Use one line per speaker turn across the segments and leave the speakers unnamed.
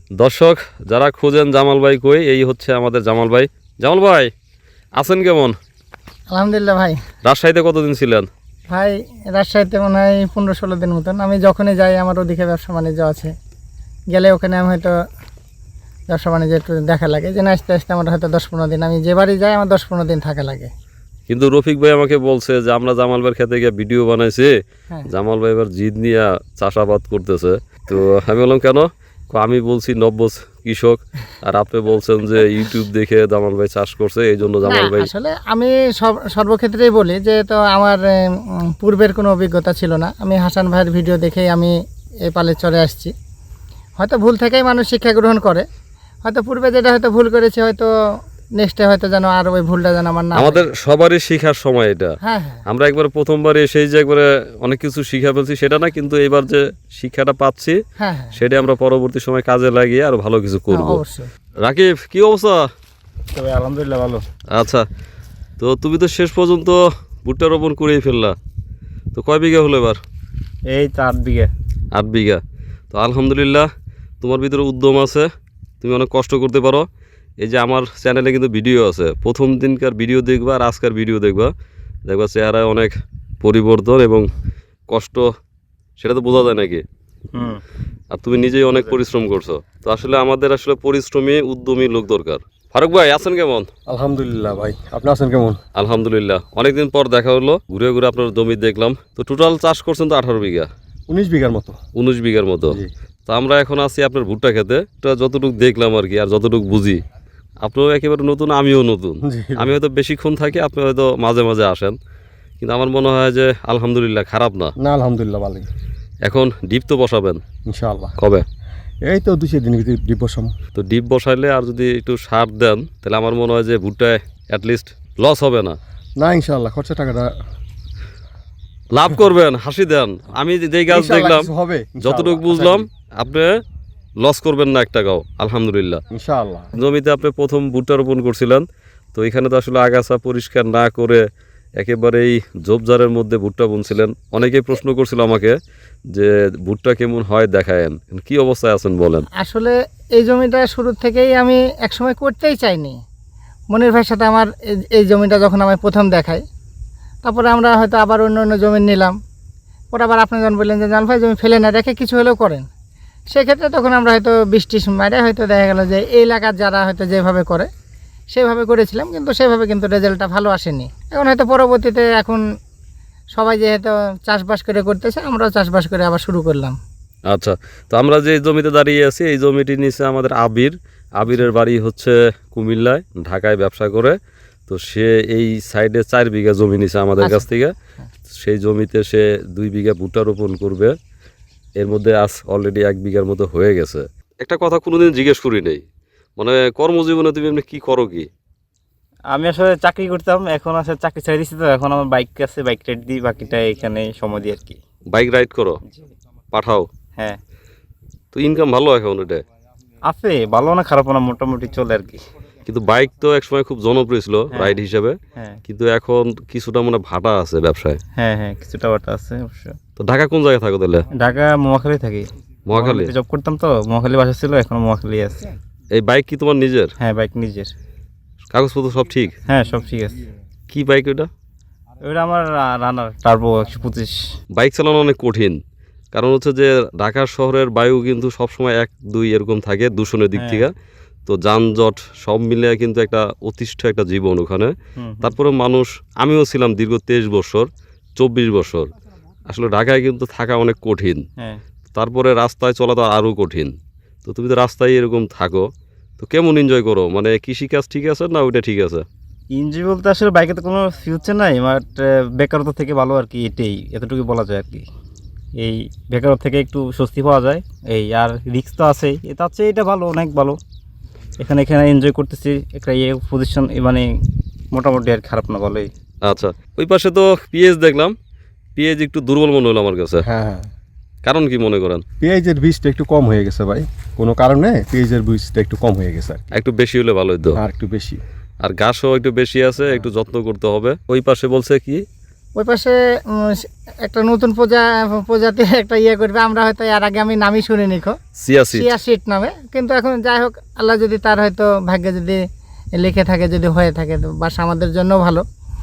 দর্শক যারা খোঁজেন জামাল ভাই কই, এই হচ্ছে আমাদের জামাল ভাই। জামাল ভাই আছেন কেমন?
আলহামদুলিল্লাহ ভাই।
রাজশাহীতে কতদিন ছিলেন?
ভাই রাজশাহীতে মনে হয় 15-16 দিন মতন। আমি যখনই যাই আমার ওদিকে ব্যবসা বাণিজ্য আছে, গেলে ওখানে আমি হয়তো ব্যবসা বাণিজ্য একটু দেখা লাগে, যে আস্তে আস্তে আমার হয়তো 10-15 দিন, আমি যে বাড়ি যাই আমার 10-15 দিন থাকা লাগে।
কিন্তু রফিক ভাই আমাকে বলছে যে আমরা জামাল ভাইয়ের খেতে গিয়ে ভিডিও বানাইছি, জামাল ভাই এবার জিদ নিয়ে চাষাবাদ করতেছে। তো আমি বললাম কেন? আমি বলছি নব্য কৃষক, আর আপনি বলছেন যে ইউটিউব দেখে জামাল ভাই চাষ করছে, এই জন্য জামাল ভাই।
আসলে আমি সর্বক্ষেত্রেই বলি যে তো আমার পূর্বের কোনো অভিজ্ঞতা ছিল না। আমি হাসান ভাইয়ের ভিডিও দেখেই আমি এই পালে চলে আসছি। হয়তো ভুল থেকেই মানুষ শিক্ষা গ্রহণ করে, হয়তো পূর্বে যেটা হয়তো ভুল করেছে, হয়তো নেক্সটে হয়তো যেন আর ওই ভুলটা যেন আমার না।
আমাদের সবারই শিখার সময় এটা।
হ্যাঁ,
আমরা একবার প্রথমবার এসেই যে একবারে অনেক কিছু শিখা ফেলছি সেটা না, কিন্তু এবার যে শিক্ষাটা পাচ্ছি সেটা আমরা পরবর্তী সময় কাজে লাগিয়ে আরো ভালো কিছু করব।
অবশ্যই।
রাকিব কি অবস্থা?
আলহামদুলিল্লাহ ভালো।
আচ্ছা, তো তুমি তো শেষ পর্যন্ত ভুট্টা রোপণ করেই ফেললা, তো কয় বিঘা হলো এবার?
এই 8 বিঘা।
8 বিঘা। তো আলহামদুলিল্লাহ তোমার ভিতরে উদ্যম আছে, তুমি অনেক কষ্ট করতে পারো। এই যে আমার চ্যানেলে কিন্তু ভিডিও আছে, প্রথম দিনকার ভিডিও দেখবা আর আজকের ভিডিও দেখবা চেহারায় অনেক পরিবর্তন এবং কষ্ট, সেটা তো বোঝা যায় নাকি? আর তুমি নিজেই অনেক পরিশ্রম করছো। তো আসলে আমাদের আসলে পরিশ্রমী উদ্যমী লোক দরকার। ফারুক ভাই আছেন কেমন?
আলহামদুলিল্লাহ ভাই, আপনি আছেন কেমন?
আলহামদুলিল্লাহ, অনেকদিন পর দেখা হলো, ঘুরে ঘুরে আপনার জমি দেখলাম। তো টোটাল চাষ করছেন তো 18 বিঘা?
19 বিঘার মতো।
19 বিঘার মতো। তো আমরা এখন আছি আপনার ভুট্টা খেতে, যতটুকু দেখলাম আর কি, আর যতটুকু বুঝি। আপনিও একেবারে নতুন, আমিও নতুন। আমি হয়তো বেশিক্ষণ থাকি, আপনি হয়তো মাঝে মাঝে আসেন, কিন্তু আমার মনে হয় যে আলহামদুলিল্লাহ খারাপ না।
না আলহামদুলিল্লাহ ভালো। এখন
ডিপ তো বসাবেন
ইনশাআল্লাহ।
কবে?
এই তো 2 দিনের ভিতরে ডিপ বসাবো।
তো ডিপ বসাইলে আর যদি একটু সার দেন তাহলে আমার মনে হয় যে ভুট্টায় অ্যাটলিস্ট লস হবে না।
না ইনশাআল্লাহ, খরচা টাকাটা
লাভ করবেন, হাসি দেন। আমি যেই গাছ দেখলাম, যতটুকু বুঝলাম, আপনি লস করবেন না এক টাকাও, আলহামদুলিল্লাহ
ইনশাআল্লাহ।
জমিতে আপনি প্রথম ভুট্টা রোপণ করছিলেন, তো এখানে তো আসলে আগাছা পরিষ্কার না করে একেবারেই ঝোপঝাড়ের মধ্যে ভুট্টা বুনছিলেন। অনেকেই প্রশ্ন করছিল আমাকে যে ভুট্টা কেমন হয় দেখায়েন, কি অবস্থায় আছেন বলেন।
আসলে এই জমিটা শুরু থেকেই আমি একসময় করতেই চাইনি। মনির ভাইয়ের সাথে আমার এই জমিটা যখন আমি প্রথম দেখাই, তারপরে আমরা হয়তো আবার অন্য অন্য জমি নিলাম। পরে আবার আপনি যখন বললেন যে জান ভাই জমি ফেলে না রেখে কিছু হলেও করেন, সেক্ষেত্রে তখন আমরা হয়তো বৃষ্টির মারে হয়তো দেখা গেল যে এই এলাকার যারা হয়তো যেভাবে করে সেভাবে করেছিলাম, কিন্তু সেভাবে কিন্তু রেজাল্টটা ভালো আসেনি। এখন হয়তো পরবর্তীতে এখন সবাই যেহেতু চাষবাস করে করতেছে, আমরাও চাষবাস করে আবার শুরু করলাম।
আচ্ছা, তো আমরা যে জমিতে দাঁড়িয়ে আছি এই জমিটি নিচে আমাদের আবিরের বাড়ি হচ্ছে কুমিল্লায়, ঢাকায় ব্যবসা করে। তো সে এই সাইডে 4 বিঘা জমি নিছে আমাদের কাছ থেকে। সেই জমিতে সে 2 বিঘা ভুট্টা রোপণ করবে। এর মধ্যে আজ অলরেডি 1 বিঘার মতো হয়ে গেছে। একটা কথা কোনোদিন জিজ্ঞেস করি নেই, মানে কর্মজীবনে তুমি এমনি কি করো কি?
আমি আসলে চাকরি করতাম, এখন আসলে চাকরি ছেড়ে দিচ্ছি। তো এখন আমার বাইক আছে, বাইক রাইড দিই, বাকিটা এখানে সময় দিই আর কি।
বাইক রাইড করো, পাঠাও?
হ্যাঁ।
তো ইনকাম ভালো এখন এটা?
আছে, ভালো না খারাপ না, মোটামুটি চলে আর কি।
কিন্তু বাইক তো একসময় খুব জনপ্রিয় ছিল রাইড হিসাবে, কিন্তু এখন কিছুটা মানে ভাটা আছে ব্যবসায়।
হ্যাঁ হ্যাঁ, কিছুটা ভাটা আছে অবশ্য।
তো ঢাকা কোন জায়গায় থাকো তাহলে?
ঢাকা মহাখালী থাকি।
মহাখালী
জব করতাম, তো মহাখালী বাসা ছিল, এখন মহাখালী আছে।
এই বাইক কি তোমার নিজের?
হ্যাঁ, বাইক নিজের।
কাগজপত্র সব ঠিক?
হ্যাঁ, সব ঠিক আছে।
কি বাইক ওটা?
ওইটা আমার রানার টার্বো 125।
বাইক চালানো অনেক কঠিন, কারণ হচ্ছে যে ঢাকা শহরের বায়ু কিন্তু সবসময় 1-2 এরকম থাকে দূষণের দিক থেকে। তো যানজট সব মিলে কিন্তু একটা অতিষ্ঠ একটা জীবন ওখানে। তারপরে মানুষ, আমিও ছিলাম দীর্ঘ 23 বছর 24 বছর, আসলে ঢাকায় কিন্তু থাকা অনেক কঠিন। তারপরে রাস্তায় চলা তো আরও কঠিন। তো তুমি তো রাস্তায় এরকম থাকো, তো কেমন এনজয় করো? মানে কৃষিকাজ ঠিক আছে না ওইটা ঠিক আছে?
এনজয় বলতে আসলে বাইকে তো কোনো ফিউচার নাই, বাট বেকারত্ব থেকে ভালো আর কি, এটাই এতটুকু বলা যায় আর কি। এই বেকারত্ব থেকে একটু স্বস্তি পাওয়া যায়, এই আর রিস্ক তো আছেই। এটা হচ্ছে, এটা ভালো, অনেক ভালো। এখানে এনজয় করতেছি, একটা পজিশন মানে মোটামুটি আর খারাপ না, ভালোই।
আচ্ছা, ওই পাশে তো পেঁয়াজ দেখলাম, পেঁয়াজ একটু দুর্বল মনে হলো আমার কাছে।
হ্যাঁ হ্যাঁ।
কারণ কি মনে করেন?
পেঁয়াজের বীজটা একটু কম হয়ে গেছে ভাই, কোনো কারণে পেঁয়াজের বীজটা একটু কম হয়ে গেছে।
একটু বেশি হলে ভালো হতো।
আর একটু বেশি,
আর ঘাসও একটু বেশি আছে, একটু যত্ন করতে হবে। ওই পাশে বলছে কি
ওই পাশে একটা নতুন প্রজাতির একটা ইয়ে করবে, আমরা হয়তো এর আগে আমি নামই শুনিনি
সিয়াসিড
চিয়া সিড নামে, কিন্তু এখন যাই হোক আল্লাহ যদি তার হয়তো ভাগ্যে যদি লিখে থাকে, যদি হয়ে থাকে তো বাস আমাদের জন্য ভালো।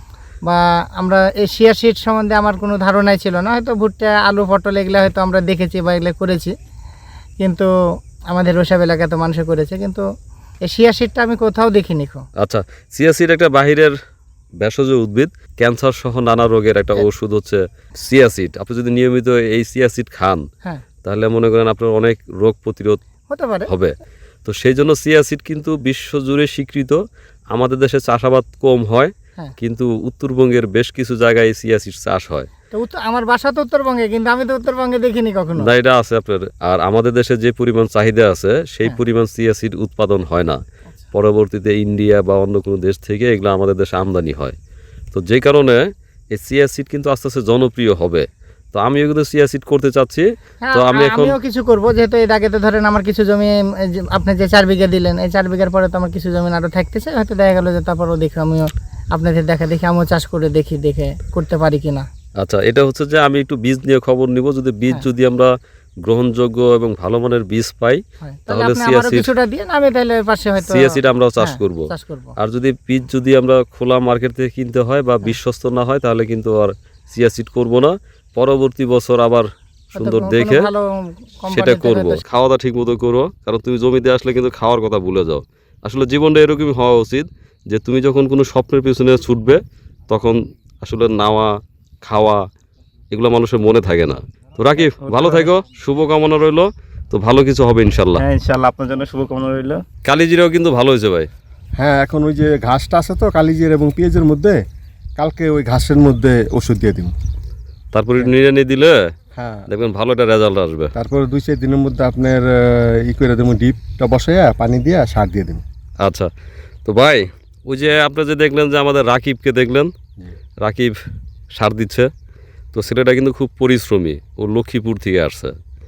বা আমরা এই চিয়া সিড সম্বন্ধে আমার কোনো ধারণাই ছিল না, হয়তো ভুট্টা আলু পটল এগুলো হয়তো আমরা দেখেছি বা এগুলো করেছি, কিন্তু আমাদের ওসব এলাকায় তো মানুষে করেছে, কিন্তু এই চিয়া সিডটা আমি কোথাও দেখিনি
আচ্ছা, সিয়াসিড একটা বাহিরের ভেষজ উদ্ভিদ, ক্যান্সার সহ নানা রোগের একটা ওষুধ হচ্ছে সিয়াসিড। আপনি যদি নিয়মিত এই সিয়াসিড খান
হ্যাঁ
তাহলে মনে করেন আপনার অনেক রোগ প্রতিরোধ
হতে পারে।
হবে। তো সেই জন্য সিয়াসিড কিন্তু বিশ্বজুড়ে স্বীকৃত। আমাদের দেশে চাষাবাদ কম হয়,
হ্যাঁ।
কিন্তু উত্তরবঙ্গের বেশ কিছু জায়গায় সিয়াসিড চাষ হয়।
তো আমার বাসা তো উত্তরবঙ্গে, কিন্তু আমি তো উত্তরবঙ্গে দেখিনি কখনো।
না, এটা আছে আপনার। আর আমাদের দেশে যে পরিমাণ চাহিদা আছে সেই
হ্যাঁ।
পরিমাণ সিয়াসিড উৎপাদন হয় না। পরবর্তীতে ইন্ডিয়া বা অন্য কোনো দেশ থেকে এগুলো আমাদের দেশে আমদানি হয়। তো যে কারণে এই সিয়াসিড কিন্তু আস্তে আস্তে জনপ্রিয় হবে। তো আমিও কিন্তু সিয়াসিড করতে চাচ্ছি।
হ্যাঁ,
তো আমি এখন
আমিও কিছু করব, যেহেতু এর আগে তো ধরেন আমার কিছু জমি এই যে আপনি যে 4 বিঘা দিলেন, এই 4 বিঘার পরে তো আমার কিছু জমি আরও থাকতেছে, হয়তো দেখা গেলো যে তারপরও দেখি আমিও আপনাদের দেখে আমিও চাষ করে দেখে করতে পারি কিনা।
আচ্ছা, এটা হচ্ছে যে আমি একটু বীজ নিয়ে খবর নিব। যদি বীজ
হ্যাঁ।
যদি আমরা গ্রহণযোগ্য এবং ভালো মানের বীজ পাই
হয় তাহলে
তাহলে
আপনি আমারও
সিয়াসিড
কিছুটা দিয়ে আমি তাহলে পাশে হয়তো
সিয়াসিড আমরাও চাষ
হ্যাঁ,
করব।
চাষ করব।
আর যদি বীজ যদি আমরা খোলা মার্কেট থেকে কিনতে হয় বা বিশ্বস্ত না হয় তাহলে কিন্তু আর সিয়াসিড করব না। পরবর্তী বছর আবার সুন্দর
কোনো
দেখে
ভালো কোম্পানি
সেটা
থেকে
করব।
হয়তো-
খাওয়া দাওয়া ঠিক মতো করো, কারণ তুমি জমিতে আসলে কিন্তু খাওয়ার কথা ভুলে যাও। আসলে জীবনটা এরকমই হওয়া উচিত যে তুমি যখন কোনো স্বপ্নের পিছনে ছুটবে তখন আসলে নাওয়া খাওয়া এগুলো মানুষের মনে থাকে না। তো রাকিব, ভালো থাকো, শুভকামনা রইলো। তো ভালো কিছু হবে ইনশাল্লাহ।
হ্যাঁ ইনশাআল্লাহ, আপনার জন্য শুভকামনা রইল।
কালিজিরাও কিন্তু ভালো হয়েছে ভাই।
হ্যাঁ, এখন ওই যে ঘাসটা আছে তো কালিজির এবং পেঁয়াজের মধ্যে, কালকে ওই ঘাসের মধ্যে ওষুধ দিয়ে দিব।
তারপরে নিড়ানি দিলে
হ্যাঁ,
দেখবেন ভালো একটা রেজাল্ট আসবে।
তারপরে 2-4 দিনের মধ্যে আপনার ই করে দেবো, ডিপটা বসাইয়া পানি দিয়ে সার দিয়ে দেবো।
আচ্ছা, তো ভাই ওই যে আপনি যে দেখলেন যে আমাদের রাকিবকে দেখলেন, রাকিব সার দিচ্ছে। তো ছেলেটা কিন্তু খুব পরিশ্রমী, ও লক্ষ্মীপুর থেকে আসছে,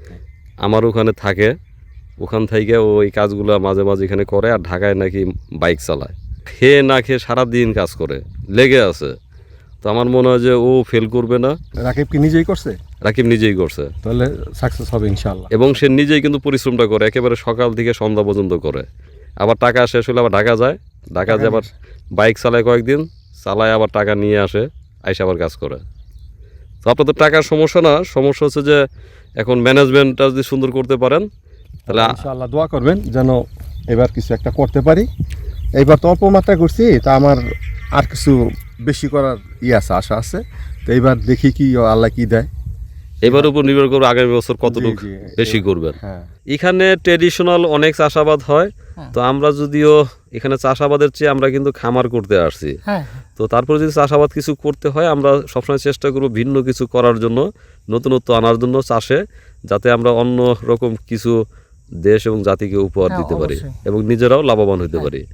আমার ওখানে থাকে। ওখান থেকে ও এই কাজগুলো মাঝে মাঝে এখানে করে, আর ঢাকায় নাকি বাইক চালায়। খেয়ে না খেয়ে সারাদিন কাজ করে, লেগে আছে। তো আমার মনে হয় যে ও ফেল করবে না।
রাকিব কি নিজেই করছে?
রাকিব নিজেই করছে,
তাহলে সাকসেস হবে ইনশাআল্লাহ।
এবং সে নিজেই কিন্তু পরিশ্রমটা করে, একেবারে সকাল থেকে সন্ধ্যা পর্যন্ত করে। আবার টাকা শেষ হলে আবার ঢাকা যায়, ঢাকা যায় আবার বাইক চালায় কয়েকদিন, চালায় আবার টাকা নিয়ে আসে, আইসে আবার কাজ করে। তো আপনার তো টাকার সমস্যা না, সমস্যা হচ্ছে যে এখন ম্যানেজমেন্টটা যদি সুন্দর করতে পারেন তাহলে
ইনশাআল্লাহ দোয়া করবেন যেন এবার কিছু একটা করতে পারি। এইবার তো অল্প মাত্রায় করছি, তা আমার আর কিছু বেশি করার আছে, আশা আছে। তো এইবার দেখি কি আল্লাহ কি দেয়।
এবার উপর নির্ভর করবে আগামী বছর কতটুকু
জি,
বেশি করবেন।
হ্যাঁ,
এখানে ট্রেডিশনাল অনেক চাষাবাদ হয়।
হ্যাঁ।
তো আমরা যদিও এখানে চাষাবাদের চেয়ে আমরা কিন্তু খামার করতে আসছি।
হ্যাঁ
তো তারপরে যদি চাষাবাদ কিছু করতে হয় আমরা সবসময় চেষ্টা করব ভিন্ন কিছু করার জন্য, নতুনত্ব আনার জন্য চাষে, যাতে আমরা অন্য রকম কিছু দেশ এবং জাতিকে উপহার
হ্যাঁ,
দিতে পারি
অবশ্যই।
এবং নিজেরাও লাভবান হতে পারি।